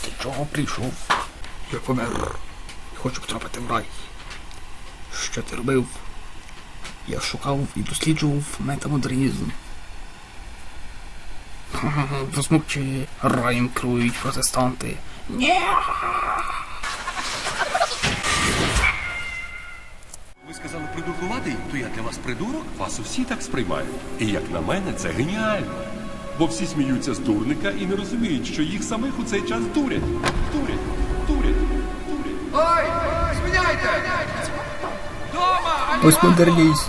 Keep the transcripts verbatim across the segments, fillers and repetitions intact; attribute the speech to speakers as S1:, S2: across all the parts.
S1: Ти чого прийшов? Я помер. Хочу потрапити в рай. Що ти робив? Я шукав і досліджував метамодернізм. Засмучи, раєм керують протестанти. Ні!
S2: Ви сказали придуркуватий, то я для вас придурок? Вас усі так сприймають. І як на мене, це геніально. Бо всі сміються з дурника і не розуміють, що їх самих у цей час дурять. Дурять, дурять, дурять.
S3: Ой, зміняйте! Дома!
S1: Постмодернізм.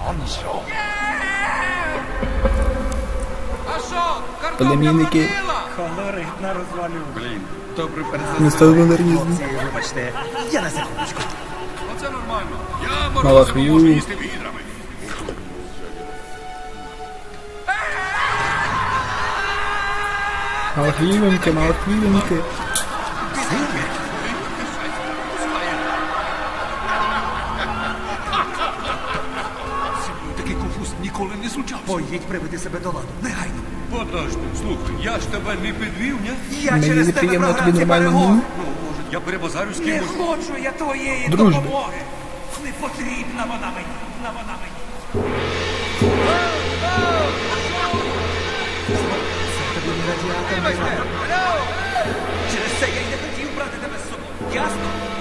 S3: А що? Картопля
S1: Племінники.
S3: побіла?
S4: Колорит на розвалю.
S2: Блін, добре переза.
S1: Метамодернізм.
S4: Вибачте, я на секундочку.
S3: Оце нормально.
S2: Я
S1: Малахвію.
S2: можу їсти відрами.
S1: Малахвівеньки, малахвівеньки.
S2: Такий конфуз ніколи не случався.
S4: Поїдь приведи себе до ладу. Негайно.
S2: Подожди, слухай, я ж тебе не підвів, ні?
S4: Я
S1: Мені
S4: через тебе
S1: неприємно,
S4: програв
S1: тобі
S4: ці
S1: нормально
S4: перегони.
S1: не?
S2: Ну, може, я перебазарю з
S4: Не
S2: кимось.
S4: хочу я твоєї
S1: Дружби.
S4: допомоги. Не потрібна вона мені. На вона мені. Це тобі не радіатор.
S3: Вибачте! Алло!
S4: Через це я й не хотів брати тебе з собою. Ясно?